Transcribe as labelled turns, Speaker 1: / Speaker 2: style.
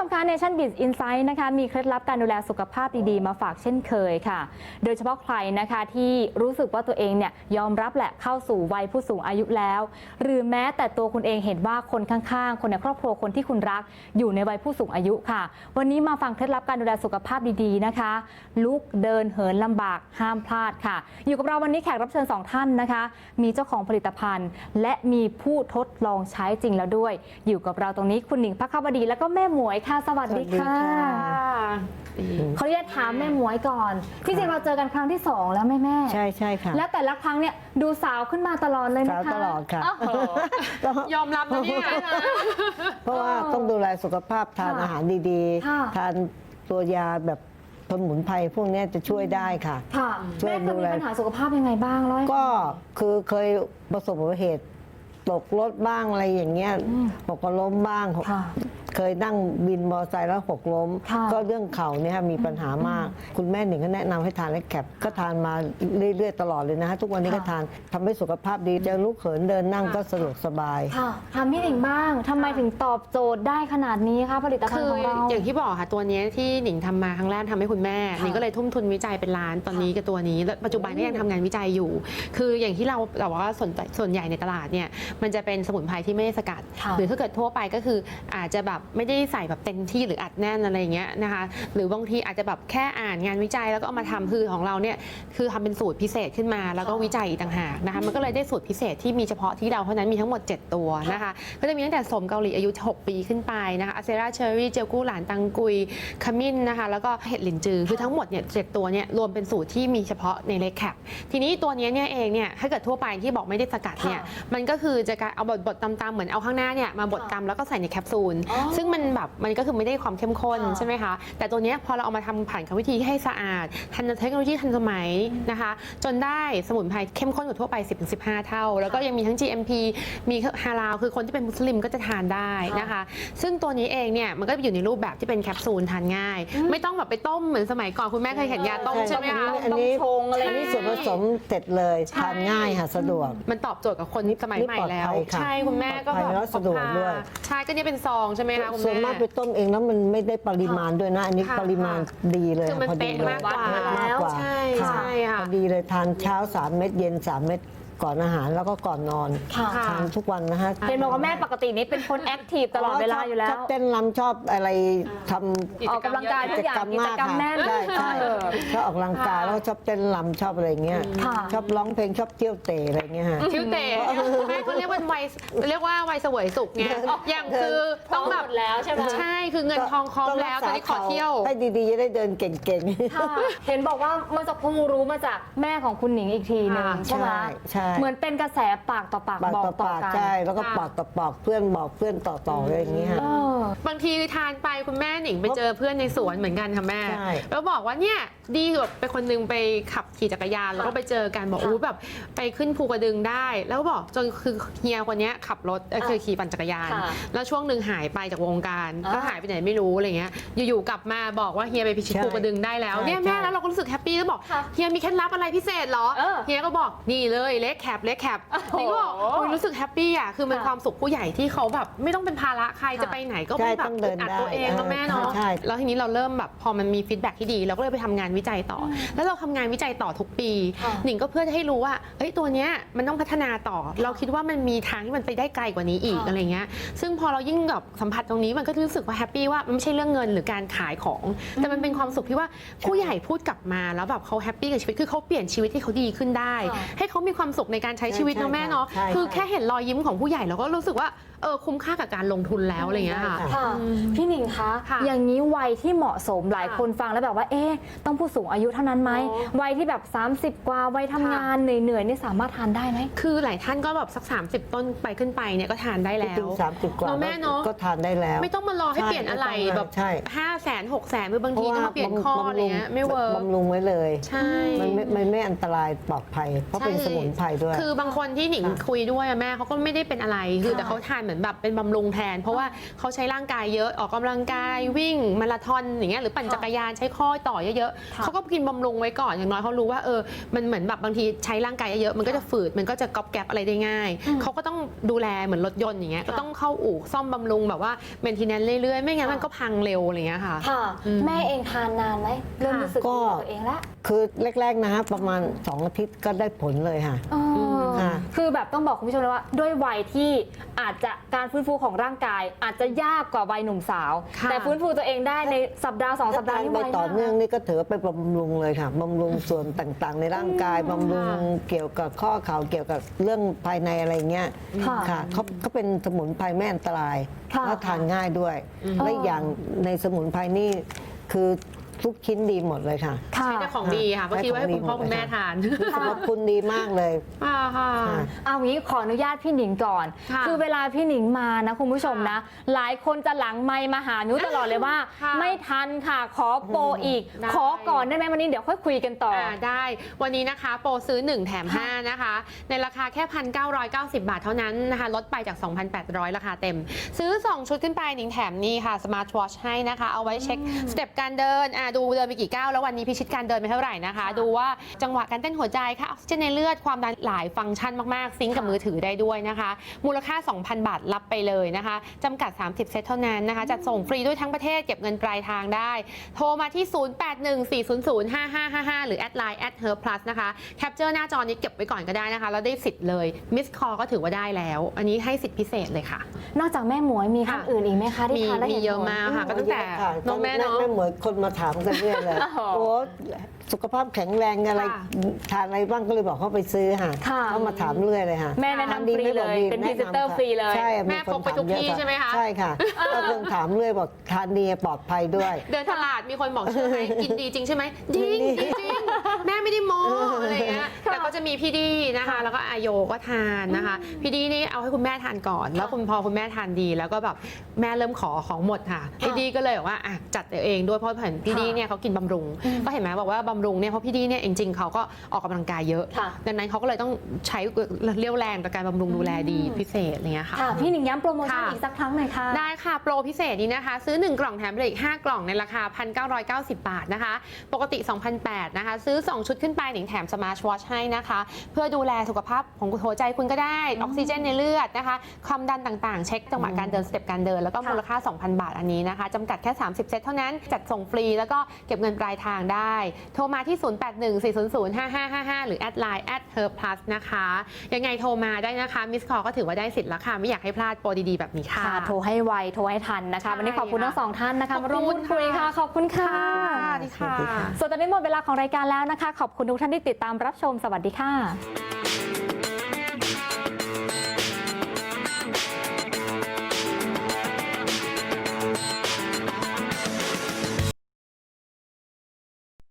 Speaker 1: มคะ Nation Biz Insight นะคะมีเคล็ดลับการดูแลสุขภาพดีๆมาฝากเช่นเคยค่ะโดยเฉพาะใครนะคะที่รู้สึกว่าตัวเองเนี่ยยอมรับแหละเข้าสู่วัยผู้สูงอายุแล้วหรือแม้แต่ตัวคุณเองเห็นว่าคนข้างๆคนในครอบครัวคนที่คุณรักอยู่ในวัยผู้สูงอายุค่ะวันนี้มาฟังเคล็ดลับการดูแลสุขภาพดีๆนะคะลุกเดินเหินลำบากห้ามพลาดค่ะอยู่กับเราวันนี้แขกรับเชิญ2ท่านนะคะมีเจ้าของผลิตภัณฑ์และมีผู้ทดลองใช้จริงแล้วด้วยอยู่กับเราตรงนี้คุณหนิง ภัควดีแล้วก็แม่หมวยค่ะสวัสดีค่ะเขาเรียกถามแม่หมวยก่อนที่จริงเราเจอกันครั้งที่2แล้วแม่
Speaker 2: ใช่ค่ะ
Speaker 1: แล้วแต่ละครั้งเนี่ยดูสาวขึ้นมาตลอดเลยนะคะ
Speaker 2: สาวตลอดค่ะ
Speaker 3: ยอมรับนะเนี่ย
Speaker 2: เพราะว่าต้องดูแลสุขภาพทานอาหารดีๆทานตัวยาแบบสมุนไพรพวกนี้จะช่วยได้ค่ะ
Speaker 1: ช่วยดูแลปัญหาสุขภาพยังไงบ้าง
Speaker 2: ก็คือเคยประสบอุบัติเหตุตกรถบ้างอะไรอย่างเงี้ยหกล้มบ้างเคยนั่งบินมอเตอร์ไซค์แล้วหกล้มก็เรื่องเข่าเนี่ยมีปัญหามากคุณแม่หนิงก็แนะนำให้ทานเลคแคปก็ทานมาเรื่อยๆตลอดเลยนะฮะทุกวันนี้ก็ทานทำให้สุขภาพดีจะลุกเหินเดินนั่งก็สะดวกสบาย
Speaker 1: ถามพี่หนิงบ้างทำไมถึงตอบโจทย์ได้ขนาดนี้คะผลิตภัณฑ์ของเรา
Speaker 3: อย่างที่บอกค่ะตัวนี้ที่หนิงทำมาครั้งแรกทำให้คุณแม่หนิงก็เลยทุ่มทุนวิจัยเป็นล้านตอนนี้กับตัวนี้และปัจจุบันก็ยังทำงานวิจัยอยู่คืออย่างที่เราแต่ว่าส่วนใหญ่ในตลาดเนี่ยมันจะเป็นสมุนไพรที่ไม่ได้สกัดหรือถ้าเกิดทั่วไปก็คืออาจจะแบบไม่ได้ใส่แบบเต็มที่หรืออัดแน่นอะไรอย่างเงี้ยนะคะหรือบางทีอาจจะแบบแค่อ่านงานวิจัยแล้วก็เอามาทำคือของเราเนี่ยคือทำเป็นสูตรพิเศษขึ้นมาแล้วก็วิจัยอีกต่างหากนะคะมันก็เลยได้สูตรพิเศษที่มีเฉพาะที่เราเท่านั้นมีทั้งหมด7ตัวนะคะก็จะมีตั้งแต่สมเกาหลีอายุ6 ปีขึ้นไปนะคะอะเซราเชอรี่เจลกู้หลานตังกุยขมิ้นนะคะแล้วก็เห็ดหลินจือคือทั้งหมดเนี่ย7ตัวเนี่ยรวมเป็นสูตรที่มีเฉพาะในเลคแคปทีนี้ตัวนี้เนี่ยเองเนี่ยถ้าเกิดทั่วไปที่บอกไม่ได้สกัดเนี่ยมันก็คือจะเอาบดตำๆเหมือนเอาข้างหน้าเนี่ยมาบดตำแล้วก็ใส่ในแคปซูลซึ่งมันแบบมันก็คือไม่ได้ความเข้มข้นใช่ไหมคะแต่ตัวนี้พอเราเอามาทำผ่านกรรมวิธีให้สะอาดทันเทคโนโลยีทันสมัยนะคะจนได้สมุนไพรเข้มข้นกว่าทั่วไป 10-15 เท่าแล้วก็ยังมีทั้ง GMP มีฮาลาลคือคนที่เป็นมุสลิมก็จะทานได้นะคะซึ่งตัวนี้เองเนี่ยมันก็อยู่ในรูปแบบที่เป็นแคปซูลทานง่ายไม่ต้องแบบไปต้มเหมือนสมัยก่อนคุณแม่เคยเห็นยาต้มใช่ไหมคะ
Speaker 2: อันนี้ชงอะไรนี่ส่วนผสมเสร็จเลยทานง่ายค่ะสะดวก
Speaker 3: มันตอบโจทย์กับคนสมัยใหม่แล้วใช่คุณแม่ก็แบบ
Speaker 2: สะดวกด้วย
Speaker 3: ใช่ก็นี่เป็นซองใช่ไหมคะคุณแม่
Speaker 2: ส่วนมากไปต้มเองแล้วมันไม่ได้ปริมาณด้วยนะอันนี้ปริมาณดีเลย
Speaker 3: พอดีเลยมากกว่าใช่ค่ะ
Speaker 2: พอดีเลยทานเช้า3 เม็ดเย็น3 เม็ดก่อนอาหารแล้วก็ก่อนนอนทานทุกวันนะฮะ
Speaker 1: เห็นบอกว่าแม่ปกตินี้เป็นคนแอคทีฟตลอดเวลาอยู่แล้ว
Speaker 2: ชอบเต้นรำชอบอะไรทำ
Speaker 1: ออกกำลังกายทุกอย่างกิจกรรมแน่น
Speaker 2: ใช่ชอบออกกำลังกายแล้วชอบเต้นรำชอบอะไรเงี้ยชอบร้องเพลงชอบเที่ยวเตะอะไรเงี้ยฮะ
Speaker 3: เที่ยวเตะแม่เขาเรียกว่าวัยเสวยสุขไงอย่างคือต้องแบบ
Speaker 1: แล้วใช่ไหม
Speaker 3: ใช่คือเงินทองคอมแล้วตอนนี้ขอเที่ยว
Speaker 2: ให้ดีๆจะได้เดินเก่ง
Speaker 1: ๆเห็นบอกว่าเมื่อสักครู่รู้มาจากแม่ของคุณหนิงอีกทีนึงใช่ไหมเหมือนเป็นกระแสปากต่อปากบอกต่อกัน
Speaker 2: ใช่แล้วก็ปากต่อปากเพื่อนบอกเพื่อนต่ออะไรอย่างเงี้ย
Speaker 3: บางทีทานไปคุณแม่หนิงไปเจอเพื่อนในสวนเหมือนกันค่ะแม่แล้วบอกว่าเนี่ยดีแบบไปคนนึงไปขับขี่จักรยานแล้วก็ไปเจอกันบอกอู้แบบไปขึ้นภูกระดึงได้แล้วบอกจนคือเฮียคนนี้ขับรถคือขี่ปั่นจักรยานแล้วช่วงหนึ่งหายไปจากวงการก็หายไปไหนไม่รู้อะไรเงี้ยอยู่ๆกลับมาบอกว่าเฮียไปพิชิตภูกระดึงได้แล้วเนี่ยแม่แล้วเราก็รู้สึกแฮปปี้แล้วบอกเฮียมีเคล็ดลับอะไรพิเศษเหรอเฮียก็บอกนี่เลยเลคแคปนี่ก็บอกรู้สึกแฮปปี้อ่ะคือเป็นความสุขผู้ใหญ่ที่เขาแบบไม่ต้องเป็นภาระใครจะไปไหนก็ไม่แบบอัดตัวเองนะแม่เนาะแล้วทีนี้เราเริ่มแบบพอมันมีฟีดแบ็กที่ดีเราก็เลยไปทำงานวิจัยต่อแล้วเราทำงานวิจัยต่อทุกปีหนิงก็เพื่อให้รู้ว่าเฮ้ยตัวเนี้ยมันต้องพัฒนาต่อเราคิดว่ามันมีทางที่มันไปได้ไกลกว่านี้อีกอะไรเงี้ยซึ่งพอเรายิ่งแบบสัมผัสตรงนี้มันก็รู้สึกว่าแฮปปี้ว่ามันไม่ใช่เรื่องเงินหรือการขายของแต่มันเป็นความสุขที่ว่าผู้ใหญ่พูดกลับมาแล้วแบบเขาแฮปปี้กับชีวิตคือเขาเปลี่ยนชีวิตที่เขาดีขึ้นได้ให้เขามีความสุขในการใช้ชีวิตเนาะแม่เนาะคือแค่เห็นรอยยิ้มของผู้ใหญ่เราก็รู้สึกว่าคุ้มค่ากับการลงทุนแล้วอะไรเงี้ยค่ะ
Speaker 1: พี่หนิงคะอย่างนี้วัยที่เหมาะสมหลายคนฟังแล้วแบบว่าต้องผู้สูงอายุเท่านั้นไหมวัยที่แบบ30 กว่าวัยทำงานเหนื่อยนี่สามารถทานได้ไหม
Speaker 3: คือหลายท่านก็แบบสัก30 ต้นไปขึ้นไปเนี่ยก็ทานได้แล้ว
Speaker 2: 30 กว่า
Speaker 3: แม่เนาะ
Speaker 2: ก็ทานได้แล้ว
Speaker 3: ไม่ต้องมารอให้เปลี่ยนอะไรแบบ500,000 600,000คือบางทีต้องมาเปลี่ยนข้ออะไรเงี้ยไม่เวิร์ก
Speaker 2: บำรุงไว้เลย
Speaker 3: ใช่
Speaker 2: มันไม่อันตรายปลอดภัยเพราะเป็นสมุนไพรด้วย
Speaker 3: คือบางคนที่หนิงคุยด้วยแม่เขาก็ไม่ได้เป็นอะไรคือแต่เขาทานเหมือนแบบเป็นบำรุงแทน เพราะว่าเขาใช้ร่างกายเยอะออกกำลังกายวิ่งมาราธอนอย่างเงี้ยหรือปั่นจักรยานใช้ข้อต่อเยอะๆเขาก็กินบำรุงไว้ก่อนอย่างน้อยเขารู้ว่ามันเหมือนแบบบางทีใช้ร่างกายเยอะๆมันก็จะฝืดมันก็จะก๊อบแก๊บอะไรได้ง่ายเขาก็ต้องดูแลเหมือนรถยนต์อย่างเงี้ยก็ต้องเข้าอู่ซ่อมบำรุงแบบว่าเมนเทนแนนซ์เรื่อยๆไม่งั้นมันก็พังเร็วอะไรเงี้ยค่ะ
Speaker 1: ค่ะแม่เองทานนานไหมเริ่มรู้สึกดีกับตัวเองแล้ว
Speaker 2: คือแรกๆนะฮะประมาณ2 อาทิตย์ก็ได้ผลเลยค่ะ ค่ะ
Speaker 1: คือแบบต้องบอกคุณผู้ชมเลยว่าด้วยวัยที่อาจจะการฟื้นฟูของร่างกาย อาจจะยากกว่าวัยหนุ่มสาว
Speaker 3: ค่ะ
Speaker 1: แต่ฟื้นฟูตัวเองได้ในสัปดาห์2 สัปดาห์นี้
Speaker 2: ไป
Speaker 1: ไว
Speaker 2: ต่อ
Speaker 1: มาก
Speaker 2: เนื่องนี่ก็ถือว่าไปบำรุงเลยค่ะบำรุงส่วนต่างๆ ในร่างกายบำรุงเกี่ยวกับข้อเข่าเกี่ยวกับเรื่องภายในอะไรเงี้ย
Speaker 1: ค่ะ
Speaker 2: ค่ะเขาเป็นสมุนไพรไม่อันตราย
Speaker 1: ค่ะ
Speaker 2: แล้วทานง่ายด้วยและอีกอย่างในสมุนไพรนี่คือทุกชิ้นดีหมดเลยค่ะ
Speaker 1: ค่ะ
Speaker 3: ใช้แต่ของดีค่ะเพราะคิดว่าให้คุณพ่อคุณแม่ทาน
Speaker 2: สรรพคุณดีมากเลย
Speaker 3: ค่ะค่ะ
Speaker 2: ค่ะ
Speaker 1: เอางี้ขออนุญาตพี่หนิงก่อน
Speaker 3: ค่ะ
Speaker 1: คือเวลาพี่หนิงมานะคุณผู้ชมนะ หลายคนจะหลังไมค์มาหานุตลอดเลยว่า
Speaker 3: ค่ะ
Speaker 1: ไม่ทันค่ะ ขอโปรอีก
Speaker 3: ได้
Speaker 1: ขอก่อนได้ไหมวันนี้เดี๋ยวค่อยคุยกันต่อ
Speaker 3: ได้วันนี้นะคะโปรซื้อ 1 แถม 5 นะคะ ในราคาแค่ 1,990 บาทเท่านั้นนะคะลดไปจาก 2,800 ราคาเต็ม ซื้อ 2 ชุดขึ้นไปหนิงแถมนี่ค่ะสมาร์ทวอชให้นะคะ เอาไว้เช็คสเต็ปการเดินดูเดินไปกี่ก้าวแล้ววันนี้พิชิตการเดินไปเท่าไหร่นะคะ ดูว่าจังหวะการเต้นหัวใจค่ะออกซิเจนในเลือดความดันหลายฟังก์ชันมากๆซิงก์กับมือถือได้ด้วยนะคะ มูลค่า 2,000 บาทรับไปเลยนะคะจำกัด 30 เซตเท่านั้นนะคะจัดส่งฟรีด้วยทั้งประเทศเก็บเงินปลายทางได้ โทรมาที่ 0814005555 หรือแอดไลน์@herplus นะคะแคปเจอร์หน้าจอนี้เก็บไว้ก่อนก็ได้นะคะแล้วได้สิทธิ์เลยมิสคอลก็ถือว่าได้แล้ว อันนี้ให้สิทธิพิเศษเลยค่ะ
Speaker 1: นอกจากแม่หมวยมีท่านอื่นอีกไหมคะที่ทานแล้วเห็น
Speaker 3: เยอะ
Speaker 1: ผล
Speaker 3: มากค่ะก็ตั้งแต่
Speaker 2: ค่ะ
Speaker 3: น้องแม่เนาะ
Speaker 2: ไม่เหมือนคนมาถามกันเรื่อยเลย
Speaker 1: โอ้โห
Speaker 2: โอ้สุขภาพแข็งแรงอะไร
Speaker 3: ค่ะ
Speaker 2: ทานอะไรบ้างก็เลยบอกเขาไปซื้อค่ะ
Speaker 1: ค่ะ
Speaker 2: เขามาถามเรื่อยเลยค่ะ
Speaker 1: แม่แนะนำฟรีเลยเป็นพรีเซนเตอร์ฟรีเลย
Speaker 2: ใช่
Speaker 3: แม่พกไปทุกที่ใช่ไหมคะ
Speaker 2: ใช่ค่ะก็คนถามเรื่อยบอกทานดีปลอดภัยด้วย
Speaker 3: เดินตลาดมีคนบอกใช่ไหมกินดีจริงใช่ไหมจริงจริงแม่ไม่ได้โม้อะไรเงี้ยแต่ก็จะมีพี่ดีนะคะ แล้วก็อาโยก็ทานนะคะพี่ดีนี่เอาให้คุณแม่ทานก่อน แล้วพอคุณแม่ทานดีแล้วก็แบบแม่เริ่มขอของหมดค่ะพี่ดีก็เลยบอกว่าจัดเองด้วยเพราะเห็นพี่ดีเนี่ยเขากินบำรุงก็เห็นไหมบอกว่าบำรุงเนี่ยเพราะพี่ดีเนี่ยจริงๆเขาก็ออกกำลังกายเยอะ
Speaker 1: ค่ะ
Speaker 3: ดังนั้นเขาก็เลยต้องใช้เรี่ยวแรงต่อการบำรุงดูแลดีพิเศษอะไรเงี้ยค่ะ
Speaker 1: ค่ะพี่หนิงย้ำโปรโมชั่น
Speaker 3: ค่ะ
Speaker 1: อีกสักครั้งหน่อยค่ะ
Speaker 3: ได้ค่ะ โปรพิเศษนี้นะคะ ซื้อ 1 กล่องแถมไปอีก 5 กล่องในราคา 1,990 บาทนะคะ ปกติ 2,800 นะคะ ซื้อ 2 ชุดขึ้นไปหนิงแถมสมาร์ทวอชให้นะคะ เพื่อดูแลสุขภาพของหัวใจคุณก็ได้ ออกซิเจนในเลือดนะคะ ความดันต่างๆ เช็คจังหวะการเดินสเต็ปการเดิน แล้วก็มูลค่า 2,000 บาทอันนี้นะคะจำกัดแค่ 30 เซตเท่านั้น จัดส่งฟรีแล้วก็เก็บเงินปลายทางได้ โทรมาที่ 0814005555 หรือแอดไลน์@herplus นะคะยังไงโทรมาได้นะคะมิสคอลก็ถือว่าได้สิทธิ์แล้วค่ะไม่อยากให้พลาดโปรดีๆแบบนี้ค่ะ
Speaker 1: ค่ะ โทรให้ไว โทรให้ทันนะคะ
Speaker 3: ใช่
Speaker 1: วันนี้ขอบคุณทั้ง 2 ท่านนะคะ
Speaker 3: ขอบคุณ
Speaker 1: มาร่วมพูดคุยค่ะ ขอบคุณค่ะ
Speaker 3: สวัสดีค่ะ
Speaker 1: ส่วนตอนนี้หมดเวลาของรายการแล้วนะคะ ขอบคุณทุกท่านที่ติดตามรับชม สวัสดีค่ะ